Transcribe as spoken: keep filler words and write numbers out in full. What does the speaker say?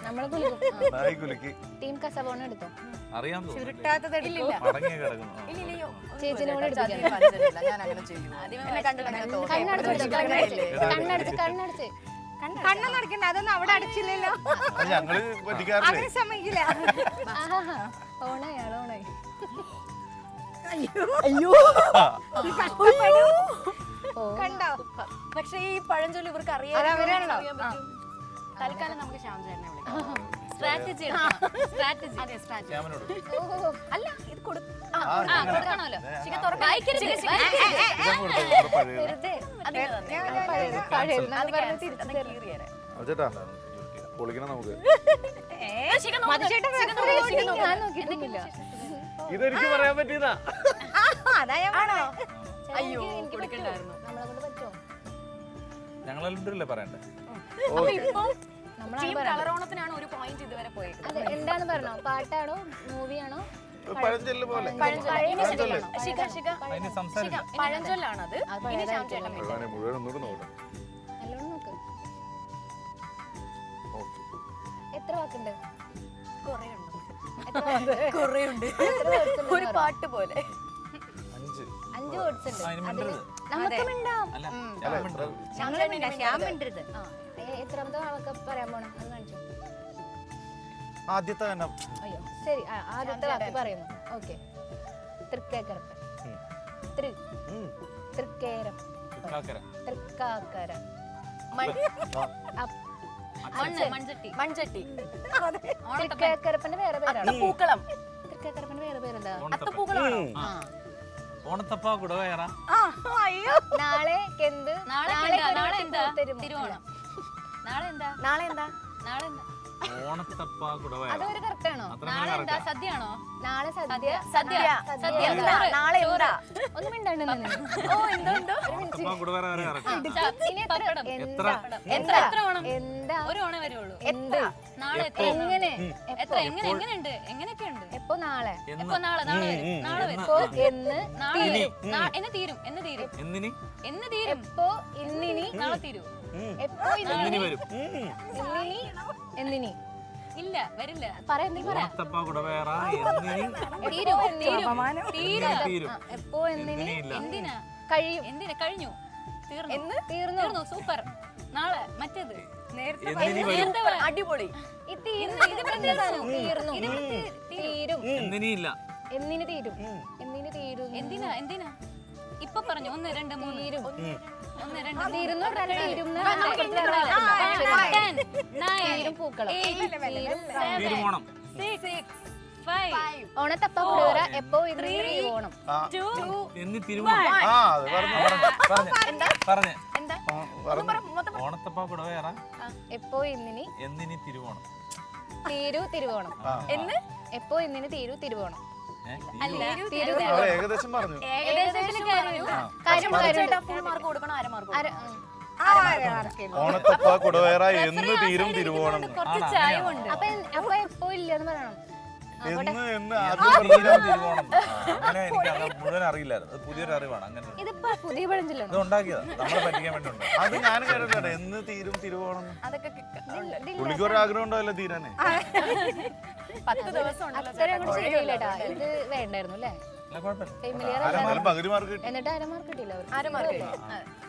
നമ്മള് കുലുക്കും. നായി കുലുക്കി. ടീം കസബോണ എടുത്തോ. അറിയാൻ ചുരുട്ടാത്തത് എടുക്കില്ല. മടങ്ങി കിടക്കുന്നു. ചേച്ചിനോട് എടുപ്പിക്കാം. ഞാൻ അങ്ങനെ ചെയ്യും. കണ്ണടച്ച് കണ്ണടച്ച് കണ്ണടച്ച് കണ്ണൊന്നും അടക്കണ്ട, അതൊന്നും അവിടെ അടച്ചില്ലല്ലോ. ഞങ്ങള് പറ്റിക്കാറില്ലേ? അങ്ങനെ സമ്മതിക്കില്ല. ഓണായി ആള് ഓണായി. അയ്യോ കണ്ടോ? പക്ഷെ ഈ പഴഞ്ചൊല്ലി ഇവർക്ക് അറിയാം. തൽക്കാലം നമുക്ക് ശ്യാം ചേട്ടനെ വിളിക്കാം. സ്ട്രാറ്റജി സ്ട്രാറ്റജി അതെ സ്ട്രാറ്റജി അല്ല ഇത് കൊടുക്കണമല്ലോ. ചേട്ടാ പൊളിക്കണം നമുക്ക്. ഇതെനിക്ക് പറയാൻ പറ്റിയതാ. അതാണോ? അയ്യോ കൊടുക്കണ്ടായിരുന്നു. നമ്മളെ കൊണ്ട് പറ്റുമോ? ഞങ്ങളല്ലേ പറയണ്ടേ? കളറോണത്തിനാണ് ഒരു പോയിന്റ് ഇതുവരെ പോയത്. അതെ, എന്താന്ന് പറഞ്ഞോ? പാട്ടാണോ മൂവിയാണോ? പഴഞ്ചൊല്ല് പോലെ. പഴഞ്ചൊല്ലാണത്. മുഴുവൻ ഒന്നുകൂടെ നോക്കാം. നല്ലോണം നോക്ക്. എത്ര വാക്കുണ്ട്? ഒരു പാട്ട് പോലെ അഞ്ച് അഞ്ച് വേർഡ്സ് ഉണ്ട്. അതിന് മിണ്ടരുത്. നമുക്ക് മിണ്ടാം. അല്ല അല്ല, മിണ്ടരുത്. ശ്യാം മിണ്ടരുത്. ആ, എ- എത്രാമത്തെ വാക്ക് പറയാൻ പോണം? അത് കാണിച്ചു. ആദ്യത്തെ തന്നെ. അയ്യോ ശരി. ആ, ആദ്യത്തെ വാക്ക് പറയുന്നു. ഓക്കെ. തൃക്കേക്കരപ്പൻ. തൃ ഉം. തൃക്കേരം. ചുക്കാക്കര. തൃക്കാക്കര. അപ്പ്. മൺചട്ടി മൺചട്ടി തൃക്കേക്കരപ്പന്റെ വേറെ പേരാണ്. പൂക്കളം. തൃക്കേക്കരപ്പന്റെ വേറെ പേരെന്താ? അത്തപ്പൂക്കളാണോ? ഓണത്തപ്പ കുടവേറ. നാളെ കെന്ത്? നാളെ എന്താ? നാളെ എന്താ? തിരുവോണം. നാളെ എന്താ? നാളെ എന്താ? നാളെ എന്താ? ഓണത്തപ്പ കുടവേറ. അതൊരു കറക്റ്റ് ആണോ? നാളെ എന്താ? സദ്യയാണോ? നാളെ സദ്യ. സദ്യ സദ്യ എന്താ? നാളെ എന്താ? ഒന്നും മിണ്ടാണ്ട് നിന്ന്. ഓ എന്തോ എന്തോ ഓണത്തപ്പ കുടവേറ വരെ കറക്റ്റ്. ഇനി എത്ര? എത്ര? എന്താ? എത്ര ഓണം? എന്താ? ഒരു ഓണേ വരുള്ളൂ. എന്ത്? നാളെ എത്ര? എങ്ങനെ? എത്ര? എങ്ങനെ എങ്ങനെയുണ്ട്? എങ്ങനെയൊക്കെ ഉണ്ട്? എപ്പോ? നാളെ. എപ്പോ? നാളെ നാളെ വരും. നാളെ വരും. എപ്പോ? എന്ന്? നാളെ വരും. നാ- എന്ന് തീരും. എന്ന് തീരും. എന്തിനി? എന്ന് തീരും. എപ്പോ? ഇന്നിനി? നാളെ തീരൂ. എപ്പോ? എന്തിനി ഇന്നിനി? വരും? ഇന്നിനി? എന്നിനി? ഇല്ല വരില്ല. പറ, എന്തെങ്കിലും പറ. ഓണത്തപ്പ കുടവേറ എന്തിനി? തീരും. തീരും. തീരും. തീരും. ആ, എപ്പോ? എന്നിനി? എന്തിനി ഇല്ല. എന്തിനാ? കഴിയും. എന്തിനാ? കഴിഞ്ഞു. തീർന്നു. എന്ന്? തീർന്നു. തീർന്നു. സൂപ്പർ. നാളെ മറ്റേത് നേരത്തെ എന്തിനി വരും? നേരത്തെ പറ. അടിപൊളി. ഈ തീർന്നു. ഇത് പ്രത്യേകമാണ്. തീർന്നു. തീരും. എന്തിനി ഇല്ല. എന്നിന് തീരും. എന്നിന് തീരും. എന്തിനാ? എന്തിനാ? ഇപ്പൊ പറഞ്ഞു. ഒന്ന് രണ്ട് മൂന്ന്. തീരും. ഒന്ന് രണ്ട് തീരുന്നു. രണ്ട് തീരും. ആ, നമുക്ക് ഇങ്ങനെ പറയാം. Ten, nine, തീരും പൂക്കളം. eight, തീരും. seven, തിരുവോണം. six, five, ഓണത്തപ്പ കുടുവര. എപ്പോ? ഇന്ന് ഓണം. ആ. two, എന്നി തിരുവോണം. ആ, അത് പറഞ്ഞു പറഞ്ഞു. പറഞ്ഞേ പറഞ്ഞേ. എന്താ? ആ, പറഞ്ഞു. ഓണത്തപ്പ കുടവേറ എപ്പോ? ഇന്നിനി എന്തിനി തിരുവോണം. തീരു തിരുവോണം. ആ, എന്ന്? എപ്പോ? ഇന്നിന് തീരു തിരുവോണം. ഏ? അല്ല. തീരു ആ, തിരുവോണം. ഏകദേശം പറഞ്ഞു. ഏകദേശം കാര്യം. കാര്യം കാര്യം. ഫുൾ മാർക്ക് കൊടുക്കണം. അര മാർക്ക് അര- കൊടുക്കണം. ഉം. ഓണത്തപ്പ കുടവേറ എന്ന് തീരും തിരുവോണം. കുറച്ച് ചായ കൊണ്ട് അപ്പൊ എൻ- അപ്പൊ എപ്പോ ഇല്ലെന്ന് പറയണം. എന്ന് എന്ന് ആ, ആദ്യം പറഞ്ഞു. തീരും തിരുവോണം. അങ്ങനെ എനിക്ക് അത് മുഴുവൻ അറിയില്ലായിരുന്നു. അത് പുതിയൊരു അറിവാണ്. അങ്ങനെ ഇതിപ്പോ പുതിയ പഴഞ്ചൊല്ലാണ്. ഇത് ഉണ്ടാക്കിയതാ നമ്മളെ പറ്റിക്കാൻ വേണ്ടി ഉണ്ടാക്കി. അത് ഞാൻ കേട്ടിട്ടുണ്ട്. എന്ന് തീരും തിരുവോണം. അതൊക്കെ പുള്ളിക്ക് ഒരു ആഗ്രഹം ഉണ്ടാവില്ല തീരാനേ. പത്ത് ദിവസം ഉണ്ടല്ലോ. അത്ര അങ്ങോട്ട് ശരിയായില്ലേട്ടാ. ഇത് വേണ്ടായിരുന്നു അല്ലേ? അല്ല കുഴപ്പമില്ല. ഫെമിലിയർ ആരാ പകുതി മാർക്ക് കിട്ടി. എന്നിട്ട് അരമാർക്ക് കിട്ടിയില്ല അവർക്ക്. അര മാർക്ക്